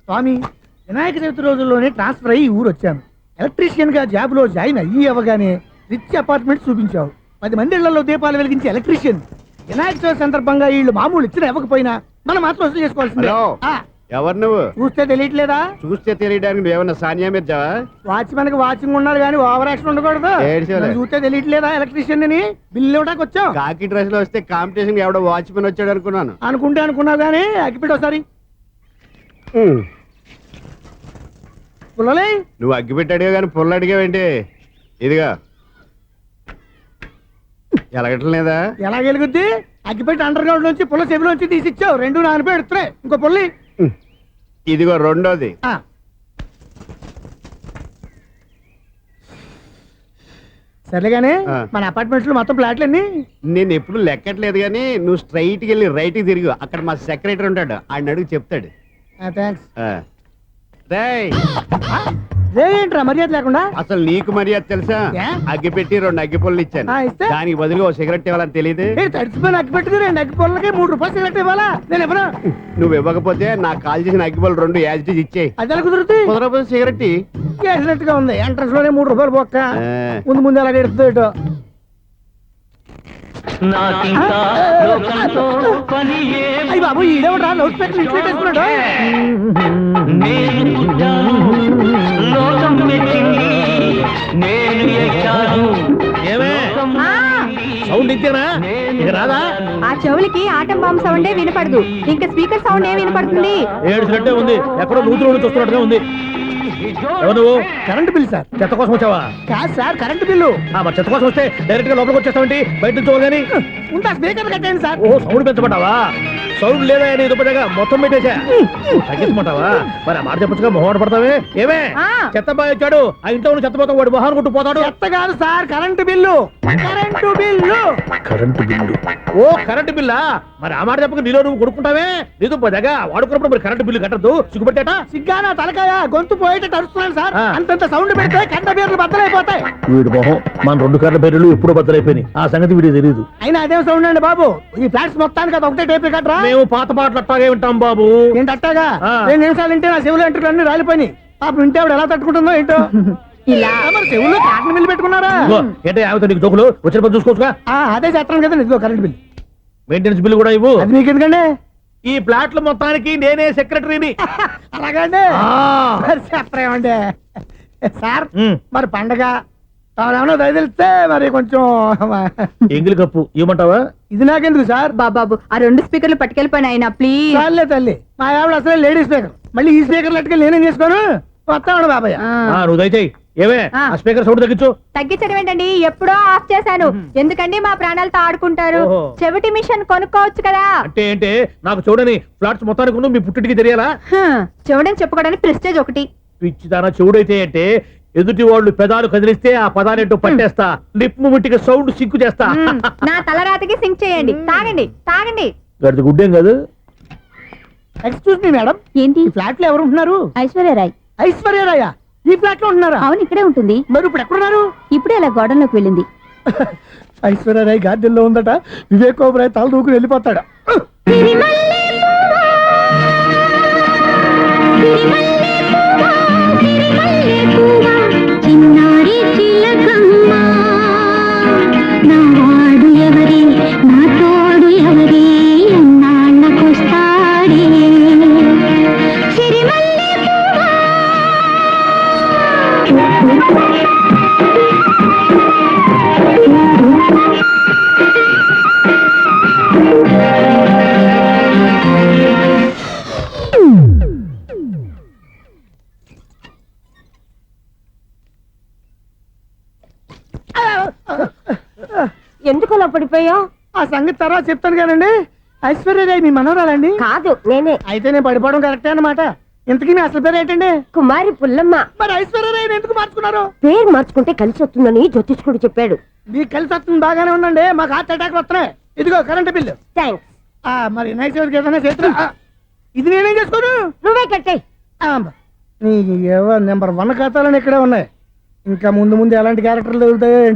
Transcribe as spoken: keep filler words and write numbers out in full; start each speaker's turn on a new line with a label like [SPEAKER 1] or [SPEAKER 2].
[SPEAKER 1] స్వామి, వినాయక చవితి రోజుల్లోనే ట్రాన్స్ఫర్ అయ్యి ఊరు వచ్చాను. ఎలక్ట్రీషియన్ గా జాబ్ లో జాయిన్ అయ్యి అవగానే రిచ్ అపార్ట్మెంట్ చూపించావు. పది మంది ఇళ్లలో దీపాలు వెలిగించే ఎలక్ట్రీషియన్. వినాయక చవితి సందర్భంగా వీళ్ళు మామూలు ఇచ్చిన ఇవ్వకపోయినా మనం మాత్రం వసూలు చేసుకోవాల్సిందే.
[SPEAKER 2] ఎవరు నువ్వు?
[SPEAKER 1] చూస్తే తెలియట్లేదా?
[SPEAKER 2] చూస్తే తెలియడానికి నువ్వేమన్నా సానియా మీర్జావా?
[SPEAKER 1] వాచ్మెన్ కి వాచింగ్ ఉండాలి కానీ ఓవర్ యాక్షన్ ఉండకూడదు. చూస్తే తెలియట్లేదా ఎలక్ట్రీషియన్ అని? బిల్లు ఇవ్వడానికి వచ్చాం.
[SPEAKER 2] కాకి డ్రెస్ లో వస్తే కాంపిటీషన్ ఎవడో వాచ్మెన్ వచ్చాడు అనుకున్నాను.
[SPEAKER 1] అనుకుంటే అనుకున్నావు కానీ అగ్గిపెట్టి ఒకసారి. పుల్లలే
[SPEAKER 2] నువ్వు అగ్గిపెట్టి అడిగా కానీ పుల్ల అడిగావేంటి? ఇదిగా ఎలగటం లేదా?
[SPEAKER 1] ఎలా వెలుగుద్ది? అగ్గిపెట్టి అండర్ గ్రౌండ్ నుంచి పుల్ల చెవిలోంచి తీసిచ్చావు. రెండు నాన్నపై ఎడుతున్నాయి. ఇంకో పుల్లి
[SPEAKER 2] ఇదిగో రెండోది.
[SPEAKER 1] సరేగానే మన అపార్ట్మెంట్స్ లో మొత్తం ప్లాట్లు అన్ని
[SPEAKER 2] నేను ఎప్పుడు లెక్కట్లేదు కానీ నువ్వు స్ట్రైట్కి వెళ్ళి రైట్కి తిరిగి అక్కడ మా సెక్రటరీ ఉంటాడు, ఆయన అడుగు చెప్తాడు.
[SPEAKER 1] థ్యాంక్స్.
[SPEAKER 2] ఏంట్రా
[SPEAKER 1] మర్యాద లేకుండా?
[SPEAKER 2] అసలు నీకు మర్యాద తెలుసా? అగ్గి పెట్టి రెండు అగ్గి పొల్లు ఇచ్చాను, దానికి బదులుగా ఓ సిగరెట్ ఇవ్వాలని తెలియదు.
[SPEAKER 1] తడిచిపోయిన అగ్గి పెట్టి రెండు అగ్గి పొల్లకి మూడు రూపాయలు సిగరెట్ ఇవ్వాలా? నేను ఇవ్వను.
[SPEAKER 2] నువ్వు ఇవ్వకపోతే నాకు కాల్ చేసిన అగ్గి పొల్లు రెండు యాజిటీస్ ఇచ్చేయి.
[SPEAKER 1] అది ఎలా కుదురుతుంది?
[SPEAKER 2] కుదరపోతే సిగరెట్
[SPEAKER 1] చేసినట్టుగా ఉంది. ఎంట్రన్స్ లోనే మూడు రూపాయలు పోక్క. ముందు ముందు ఎలా ఎడుతుంది ఇటు. అయ్యి బాబు, ఈడేవడా లౌడ్ స్పీకర్ ఇంట్లో పెట్టేసుకున్నాడు?
[SPEAKER 3] సౌండ్ ఇంతేనా? ఇక రాదా?
[SPEAKER 4] ఆ చెవులకి ఆటం బాంబు సౌండే వినపడదు, ఇంకా స్పీకర్ సౌండ్ ఏ వినపడుతుంది?
[SPEAKER 3] ఏడుసినట్టే ఉంది, ఎక్కడో నూతులు నుంచి వస్తున్నట్టుగా ఉంది. నువ్వు
[SPEAKER 1] కరెంట్ బిల్ సార్.
[SPEAKER 3] చెత్త కోసం వచ్చావా?
[SPEAKER 1] కాదు సార్, కరెంట్ బిల్లు.
[SPEAKER 3] మరి చెత్త కోసం వస్తే డైరెక్ట్ గా లోపలికి వచ్చేస్తావేంటి? బయట నుంచి కానీ
[SPEAKER 1] ఉంటా. స్పీకర్ కట్టండి సార్.
[SPEAKER 3] ఓ సౌండ్ పెంచమంటావా? సౌండ్ లేదా అని దుప్పటగా మొత్తం పెట్టేసా. తగ్గించమంటావా? మరి ఆ మాట చెప్పచ్చుగా, మొహమాట పడతావే. ఏమే చెత్త బాగా వచ్చాడు, ఆ ఇంట్లో ఉన్న చెత్త పోతాం, వాడు మొహాన్ని కొట్టు పోతాడు.
[SPEAKER 1] చెత్త కాదు sir, current bill. Current bill.
[SPEAKER 3] Current bill. ఓ కరెంటు బిల్లా? మరి ఆ మాట చెప్పక నీలో నువ్వు కొడుకుంటావే. నీతో పోదాగా వాడుకున్నప్పుడు మరి కరెంటు బిల్లు కట్టద్దు. సిగ్గుపెట్టాట?
[SPEAKER 1] సిగ్గానా తలకాయ? గొంతు పోయేటట్టు అరుస్తున్నాను సార్. అంతంత సౌండ్ పెడితే కంట బీర్లు బద్దలైపోతాయి.
[SPEAKER 3] వీడు మొహం మన రెండు కరెంటు బీర్లు ఎప్పుడో బద్దలైపోయినాయి. ఆ సంగతి వీడికి తెలియదు.
[SPEAKER 1] అయినా అదేం సౌండ్ అండి బాబు? ఈ ఫ్లాట్స్ మొత్తానికి అది ఒకటే టైప్ కట్టరా?
[SPEAKER 3] మేము పాత పాటలు అట్టాగే వింటాం బాబు.
[SPEAKER 1] ఏంటి అట్టాగా? రెండు నిమిషాలు వింటే నా చెవులు ఎంటర్ అన్ని రాలిపోయినాయి. పాపం వింటే ఆవిడ ఎలా తట్టుకుంటుందో ఏంటో. ఇలా మరి చెవుల్లో కాటన్ బిల్లు పెట్టుకున్నారా?
[SPEAKER 3] ఏంటో ఆమెతో నీకు జోకులు వచ్చిన పని చూసుకోవచ్చుగా.
[SPEAKER 1] అదే చేస్తాను కదా. ఇదిగో కరెంట్ బిల్.
[SPEAKER 3] మెయింటెనెన్స్ బిల్లు కూడా ఇవ్వు.
[SPEAKER 1] అది మీకు ఎందుకండి?
[SPEAKER 3] ఈ ప్లాట్ల మొత్తానికి నేనే సెక్రటరీని.
[SPEAKER 1] అలాగండి. చెప్పరేమండి సార్. మరి పండగ ఏమన్నా దయదలిస్తే మరి కొంచెం
[SPEAKER 3] ఎంగిలి కప్పు ఇవ్వమంటావా?
[SPEAKER 1] ఇది నాకెందుకు సార్?
[SPEAKER 4] బాబాబు, ఆ రెండు స్పీకర్లు పట్టుకెళ్ళిపోయిన ఆయన ప్లీజ్.
[SPEAKER 1] చాలే తల్లి, మా ఆవిడ అసలే లేడీ స్పీకర్. మళ్ళీ ఈ స్పీకర్లు అట్టుకెళ్ళి నేనేం చేసుకోను? వస్తాడు బాబాయ్.
[SPEAKER 3] నువ్వు దయచేయి. ఏమే ఆ స్పీకర్ సౌండ్ తగ్గించు.
[SPEAKER 4] తగ్గించడం ఏంటండి? ఎప్పుడో ఆఫ్ చేశాను. ఎందుకండి మా ప్రాణాలతో ఆడుకుంటారు? చెవిటి మిషన్ కొనుక్కోవచ్చు కదా.
[SPEAKER 3] అంటే ఏంటే నాకు చూడని ఫ్లాట్స్ మొత్తానికి ముందు మీ పుట్టింటికి తెలియాలా?
[SPEAKER 4] చెవుడని చెప్పుకోవడానికి ప్రెస్టేజ్ ఒకటి.
[SPEAKER 3] పిచ్చిదానా చెవుడైతే అంటే ఎదుటి వాళ్ళు పెదాలు కదిలిస్తే ఆ పదాలేంటో పట్టేస్తా. లిప్ ముట్టికి సౌండ్ సింకు చేస్తా.
[SPEAKER 4] నా తలరాతకి సింక్ చేయండి. తాగండి తాగండి.
[SPEAKER 3] గడిది గుడ్డేం కాదు.
[SPEAKER 1] ఎక్స్క్యూజ్ మీ మేడం,
[SPEAKER 4] ఏంటి?
[SPEAKER 1] ఫ్లాట్ లో ఎవరు ఉంటున్నారు?
[SPEAKER 4] ఐశ్వర్యరాయ్.
[SPEAKER 1] ఐశ్వర్యరాయ ఈ ఫ్లాట్ లో ఉంటున్నారా?
[SPEAKER 4] అవును, ఇక్కడే ఉంటుంది.
[SPEAKER 1] మరి ఇప్పుడు ఎక్కడున్నారు?
[SPEAKER 4] ఇప్పుడే అలా గోడంలోకి వెళ్ళింది.
[SPEAKER 1] ఐశ్వర్యరాయ్ గార్డెన్ లో ఉందట. వివేక్ ఓబరాయ్ తల దూకుని వెళ్ళిపోతాడు.
[SPEAKER 4] ఎందుకు అలా పడిపోయావు?
[SPEAKER 1] ఆ సంగతి తర్వాత చెప్తాను కానండి. ఐశ్వర్యరాయ్ మీ మనవరాలండి?
[SPEAKER 4] కాదు, నేనే.
[SPEAKER 1] అయితే నేను పడిపోవడం కరెక్టే అన్నమాట. ఇంతకీ మీ అసలు పేరు ఏంటండి?
[SPEAKER 4] కుమారి పుల్లమ్మ.
[SPEAKER 1] మరి ఐశ్వర్యరాయ్ ఎందుకు మార్చుకున్నారు?
[SPEAKER 4] పేరు మార్చుకుంటే కలిసి వస్తుందని జ్యోతిష్కుడు చెప్పాడు.
[SPEAKER 1] మీకు కలిసి వస్తుంది, బాగానే ఉండండి. మాకు హార్ట్ అటాక్ వస్తున్నాయి. ఇదిగో కరెంట్ బిల్లు.
[SPEAKER 4] థ్యాంక్స్.
[SPEAKER 1] మరి నైట్ ఏదైనా చేతున్నా ఇది నేనేం చేసుకోను?
[SPEAKER 4] నువ్వే కట్టే.
[SPEAKER 1] నీకు నెంబర్ వన్ ఖాతాలని ఇక్కడే ఉన్నాయి. ఇంకా ముందు ముందు ఎలాంటి క్యారెక్టర్లు దొరుకుతాయో